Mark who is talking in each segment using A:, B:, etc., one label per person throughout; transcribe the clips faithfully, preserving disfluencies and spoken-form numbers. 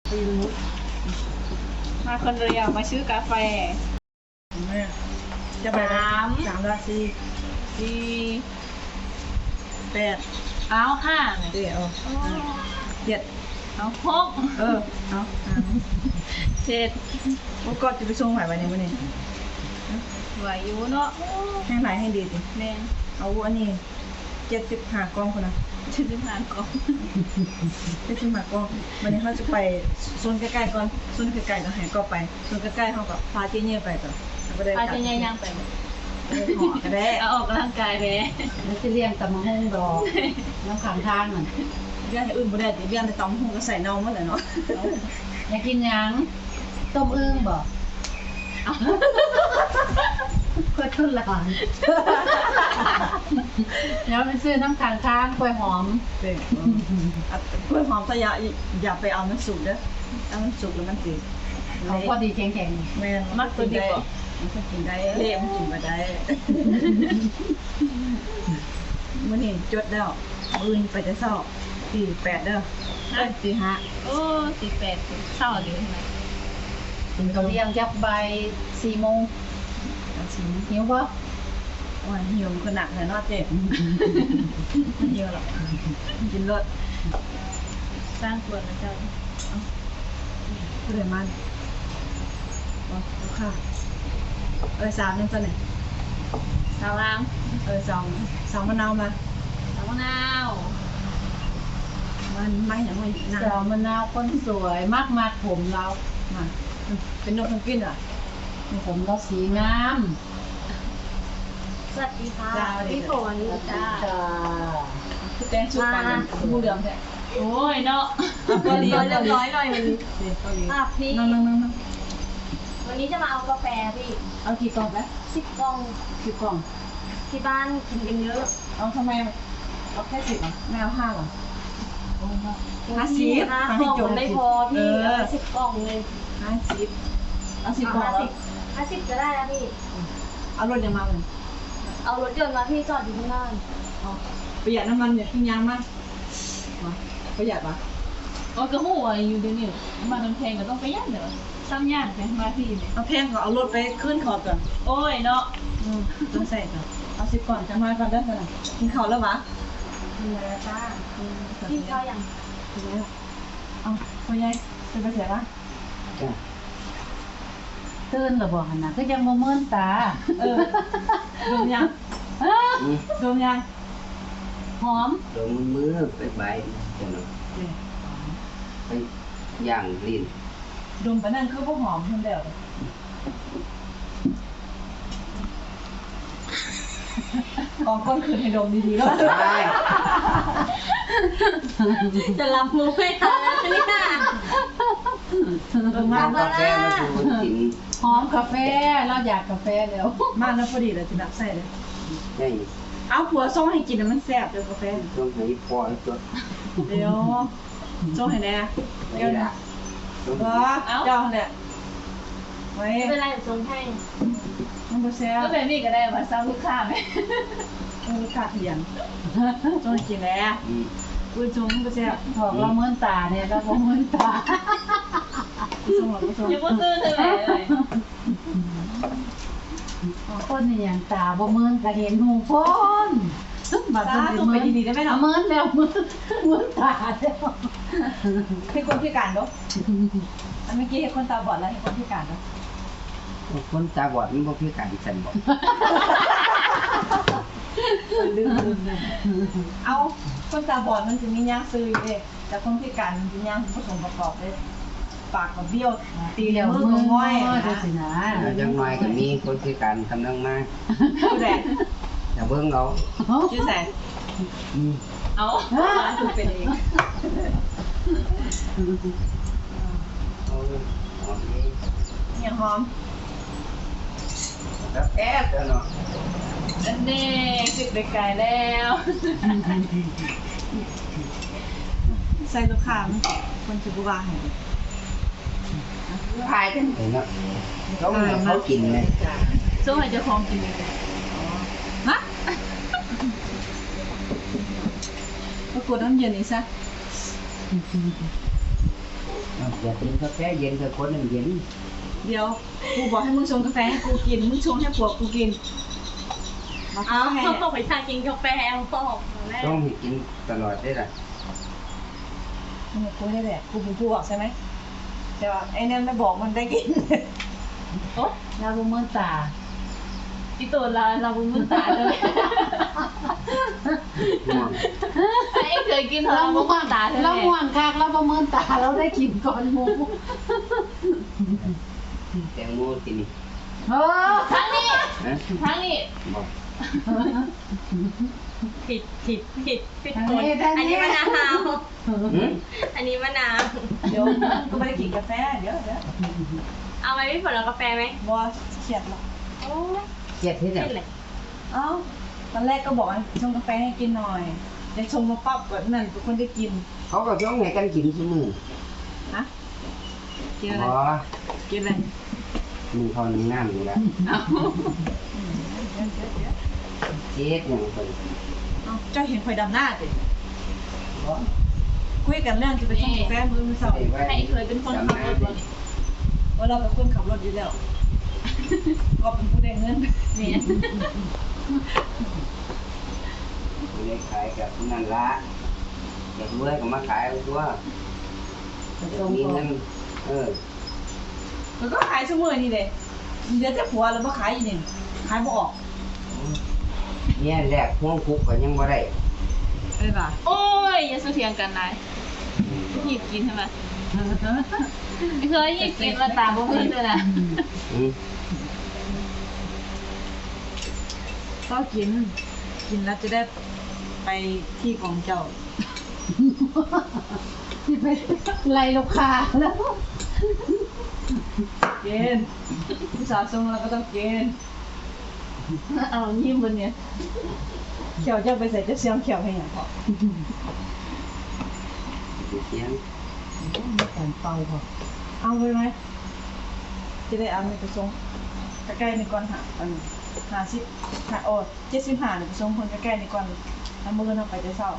A: ไม่รู้
B: มาคนเดียวมาซื้อกาแฟ
A: แม่จะไปสามสามราศี
B: สี่
A: แปด
B: เอาห้า
A: เดี๋ยวเจ็ด
B: เอาหก
A: เออเอา
B: เจ็ด
A: โอ้ก็จะไปส่งไหววันนี้วันนี้
B: ไหวอยู่เนาะ
A: ให้ไหนให้ดีสิ
B: แม่
A: เอาอันนี้เจ็ดสิบห้ากล้องคนนะ
B: เจ็ดสิบห้ากล้อง
A: เจ็ดสิบห้ากล้องวันนี้เขาจะไปโซนใกล้ๆก่อนโซนใกล้ๆก็ให้ก็ไปโซนใกล้ๆเขาก็พาเจ๊เน่ไปก่อน
B: พาเจ๊เน่ย่างไป
A: หอก็ได้
B: เอาออกกำลังกายไป
C: มันจะเลี้ยงตำมะฮงดอกน้ำขังทางน่ะ
A: เลี้ยงอื่นบ่ได้เลี้ยงแต่ตำหงก็ใส่เน่าหมดเลยเนาะ
C: อยากกินยังต้มอึ่งบ่ก็ทุนหลานแล้วไปซื้อน้ำขังทางกล้วยหอม
A: เด็กกล้วยหอมถ้าอย่าอย่าไปเอามันสุกเด้อถ้ามันสุกแล้วมันติด
C: เอาพอดีแข็ง
A: ๆแม่มักตัวดีกว่ามันก็กินได้เละมันกินมาได้มื่อนี้จดแล้วมื่นไปจะเศร้าสี่แปดเด้อเอ้ยสี่ห้า
B: โอ้สี่แปดเศร้าอยู่ทำไม
C: กินเขาเลี้ยงจับใบสี่โมงหิวปะ
A: วันหิวขนาดไหนนอเจ็บหิวหรอกกินรส
B: สร้างตัวนะเจ้า
A: เรื่อยมันบอกค่ะเออสามนึงตัวไหน
B: สาวล้าง
A: เออสองสองมะนาวมา
B: สาวมะนาว
A: มันไม่อย่างไร
C: สาวมะนาวคนสวยมากมากผมเรา
A: มาเป็นนกทั้งกินอ่ะ
C: ผมเราสีงาม
B: สวัสดีค่ะพี่ฝนจ้า
A: พี่แตงชุดกันมูเหลืองแท้
B: โอ้ยเนาะ
A: ก็เรียบ
B: ร้อยหน่อยวันนี้
A: อ่ะพี่นั่งนั่งนั่ง
B: วันนี้จะมาเอากาแฟพี่
A: เอากี่กล่องแล้ว
B: สิบกล่อง
A: สิบกล่อง
B: ที่บ้านกินกันเยอะ
A: เอาทำไมเอาแค่สิบอ่ะไม่เอาห้าหรอ
B: ห้าสิบห้ากล่องไม่พอพี่เอาสิบกล่องเลย
A: ห้าสิบเอาสิบกล่อง
B: ห้าสิบก็ได้แล้วพี่
A: เอารถยังมาเลย
B: เอารถยนต์มาพี่จอดอยู่ข้างหน้า
A: ประหยัดน้ำมันเนี่ยทิ้งยางมากประหยัดปะ
B: อ๋อกระหัวอยู่เดี๋ยวนี้มาน้ำแพงก็ต้องประหยัดเดี๋ยวซ้ำย่างไปมาพี่เนี่ย
A: เอาแพงก็เอารถไปขึ้นขอบก่อน
B: โอ้ยเนาะ
A: ต้องใส่ก่อนเอาสิบก่อนจะมาก่อนได้ขนาดกินข้าวแล้ววะ
B: กินแล้วจ้ากินข้าวยัง
A: กินแล้วเอาพ่อใหญ่จะไปเสียละ
C: ตื่นหรือบ่หันนะก็ยังโมเมินตา
A: เออดมยังดมยัง
C: หอม
D: ดมมือไปใบจังไปย่างลิ้น
A: ดมไปนั่นคือพวกหอมเพิ่มเดียวกองก้นคืนให้ดมดีๆแล้ว
B: จะรับมือไม่ทันแล้วนี่ค่ะ
A: ดมมาก
D: กาแฟมาดูกิน
C: หอมกาแฟเราอยากกาแฟแล้ว
A: มากแล้วพอดีเลยจะนับใส่เลย
D: ใช่
A: เอาผัวส่งให้กินมันแซ่บเดี๋ยวกาแฟ
D: ส่งให้พ่อตัว
A: เดี๋ยวส่งให้แน่เดี๋ยวนะว้าเจ้าเนี่ยไว้
B: ไม่เป็นไรส่งให้
A: มันบ่แซ่บ
B: ก็เป็นนี่ก็ได้มาซ้ำลูกค้าไหม
A: ลูกค้าเถียงส่งให้กินแล้วอุ้ยส่งมันบ่แซ่บ
C: บอกเราเมินตาเนี่ยเราบ่เมินตา
A: ส่งหรอส่ง
B: ยังบ่ตื่นเลยเลย
C: คนนี่อย่างตาบ่เมินก็เห็นหูพ้น
A: บัดนี้ไปดีๆได้ไหมเนาะ
C: เมินแล้วเมินเมินตาแล้ว
A: ให้คนพิการเนาะอันเมื่อกี้ให้คนตาบอดแล้วให้คนพิการเนาะ
D: คนตาบอดมันบ่พิการฉันบอก
A: ลืมลืมเอาคนตาบอดมันจะมีย่างซื้ออยู่เด้แต่คนพิการมันจะย่างผสมประกอบเลยปากกับเบี้ยวตีเหลวมือกับง่อย
C: นะ
D: ยังน้อยก็มีคนพิการกำลังมา
A: ชื่อแดง
D: อย่าเบิ่งเรา
A: ชื่อแสง
B: เอา
A: ถูกเป็นเองอย่างหอม
D: แล้วแอบเนาะ
B: อันนี้สิบไปไกลแล้ว
A: ใส่ลูกค้าคนจุบวาให้
D: ขายกันเนาะต้องให้เขากินเลย
B: ส่งให้เจ้าของกินเลย
A: ฮะก็กดน้ำเย็นอีกซะ
D: อย่ากินกาแฟเย็นเถอะคนนึงเย็น
A: เดี๋ยวกูบอกให้มึงชงกาแฟให้กูกินมึงชงให้ผัวกูกินมา
B: เอา
A: ให้
B: เขาบอกไปทานกินกาแฟแอลกอฮอล์แม่
D: ต้องให้กินตลอดได้ล่ะ
A: เนี่ยกูให้แหละกูเป็นผู้บอกใช่ไหมแต่ว่าไอ้เนี่ยไม่บอกมันได้กิน
B: โอ๊ะ
C: ลาบุเมินตา
B: อีตัวเราเราบุ้มตาเลย
D: ง่วง
B: ไอ้เคยกิน
C: เรา
B: เราบุ้
C: ม่ว
B: ม
C: ง
B: ตาเลย
C: เราม่วงคักเราบ่เมินตาเราได้กินก่อนหมู
D: แตงโมกินนี่
C: เออ
B: ทั้งนี้
D: ฮะ
B: ทั้งนี้
D: บอก
B: ผิดผิดผิดผิด
C: ทาง
B: คน
C: นี้ทาง
B: อันนี้
C: นี้
B: มะนาว
D: หืม
B: อันนี้มะนาว
A: เดี๋ยวกูไม่ได้กินกาแฟเดี๋ยวเดี๋ยว
B: เอาไหมพี่ฝนเอากาแฟไหม
A: บอเขียดหรอก
B: โอ้ย
D: เจ็ดที่ไหน
B: เป็นไร
A: เอ้าตอนแรกก็บอกให้ชงกาแฟให้กินหน่อยเดี๋ยวชงมาปั๊บแบบนั้นทุกคนได้กิน
D: เขาก็ช่องให้กันกินทุกมื้อ
A: ฮะกินอะไร
D: บ่
A: กินอะไร
D: มึงเขาหนึ่งน้ำอยู่แล้ว
A: เดี๋ยวเดี๋ยวเดี๋ยว
D: เจ็ดอย่างคน
A: เอ้าเจ้าเห็นข่อยดำหน้าสิคุยกันเรื่องจะไปชงกาแฟมื้อมื้อเช้า
B: ให้เคยเป็นคนขับรถบ่นี่
A: ว่าเราเป็นคนขับรถอยู่แล้ว ก็เป็นผู้ได้เงิน
B: เนี่ย
D: ไม่ได้ขายกับนั่นละอยากรวยก็มาขายเอาตัวมีเงินเออ
A: มันก็ขายชั่วโมงนี่เลยเดี๋ยวจะผัวแล้วมาขายอีกนี่ขายบ่ออก
D: เนี่ยแรกห่วงคุกก็ยังบ่ได้
A: เอ้ยป่ะ
B: โอ้ยอย่าสู้เถียงกันนายหยิบกินใช่ไหมเคยหยิบกินมาตาบ่มีเลยนะ
D: อืม
A: ก็กิน กินแล้วจะได้ไปที่ของเจ้า
C: ที่ไปไล่ลูกค้าแล้ว
A: เกณฑ์ผู้สาวทรงเราก็ต้องเกณฑ์
B: เอายิ้มบนเนี่ย
A: เขียวเจ้าไปใส่จะเสียงเขียวให้หยังพอ
D: เสียง
C: การเป่าพอ
A: เอาไปไหมจะได้เอาไปไปส่งใกล้ๆในก่อนหาอันหาสิบหาโอ้เจ็ดสิบห้าเนี่ยไปส่งคนใกล้ๆในก่อนแล้วมือเราไปจะเศร้า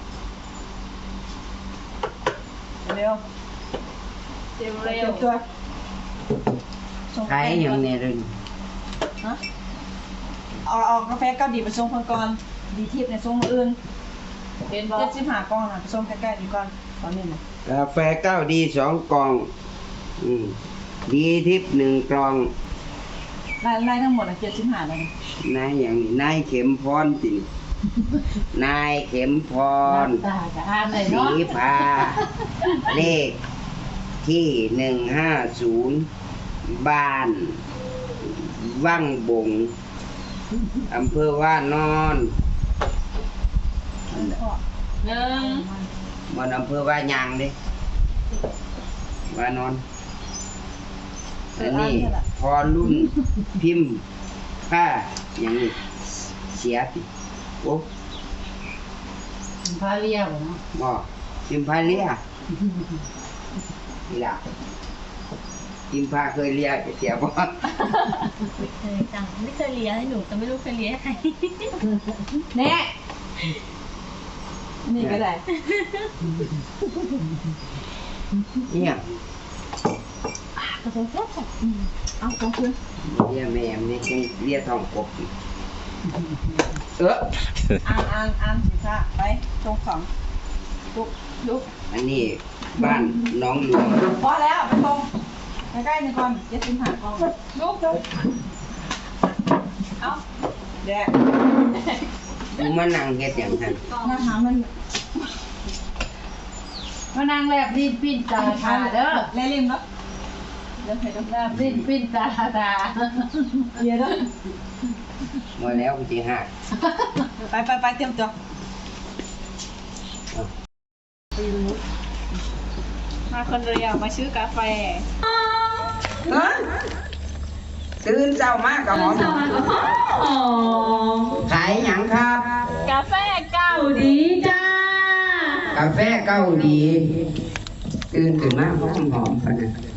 A: เร็ว
B: เร็ว
A: เร็
B: เร็
A: ว
B: ว
A: ตัวส่ง
D: ขายอย่างเนี่ยเลย
A: ฮะเอาเอากาแฟเกาดีไปส่งคนก่อนดีทิพย์ในส่งมืออื่น
B: เป็นบอ
A: เจ็ดสิบห้ากล่องนะไปส่งใกล้ๆนี่ก่อนตอนนี้นะ
D: กาแฟเก้าดีสองกล่องอืมดีทิพย์หนึ่งกล่อง
A: รายรายทั้งหมดอ่ะเจ็ดสิบห้าเลย
D: นายอย่างนี้นายเข็มพรสินายเข็มพร
C: ตาจะอ่านเลย
D: สี
C: เนาะ
D: พาเลขที่หนึ่งห้าศูนย์บ้านวังบงอำเภอว่านอน
A: พ่อ
B: หนึ่ง
D: มันอำเภอว่ายางเด้ว่านอนอันนี้พอรุ่นพิมพ์ผ้าอย่างนี้เสียติโอ้
C: พาเรียวเนาะ
D: บ่พิมพ์ผ้าเลียนี่ล่ะพิมพ์ผ้าเคยเลียเสียบ่
B: ไม่เคยจังไม่เคยเลี้ยงให้หนูแต่ไม่รู้เคยเลี้ยงใคร
A: แน่นี่ก็ได้
D: เนี่ย
A: กาแฟแซ่บเอาของคุณ
D: เลียแม่มเนี่ยจังเลียทองกบอีกเออ
A: อ่านอ่านอ่านสิซ่าไปตรงสองลุกลุก
D: อันนี้บ้านหน้องหลวง
A: พอแล้วไปตรงใกล้ๆนี่ก่อนเจ็ดสิบห้ากล่องลุกลุกเอาแดก
D: มึงมานั่งเฮ็ดหยังหั่น
A: มาหามัน
C: มานางแลบลิ้นปิ้นตาตาเด้อ
A: เล่นริมแล้วเดี๋ยวให้ต้อง
C: แลบลิ้นปิ้นตาตา
A: เดี๋ยวเด้อ
D: มาแล้วกูสิหา
A: ไปไปไปเตรียมตัว
B: มาคนเดียวมาซื้อกาแฟ
D: เอ้อตื่นเช้ามาก็หอมขายหยังครับ
B: กาแฟเก้าดีจ้าก
D: าแฟเกาหลีตื่นขึ้นมาหอมหอมๆพะนะ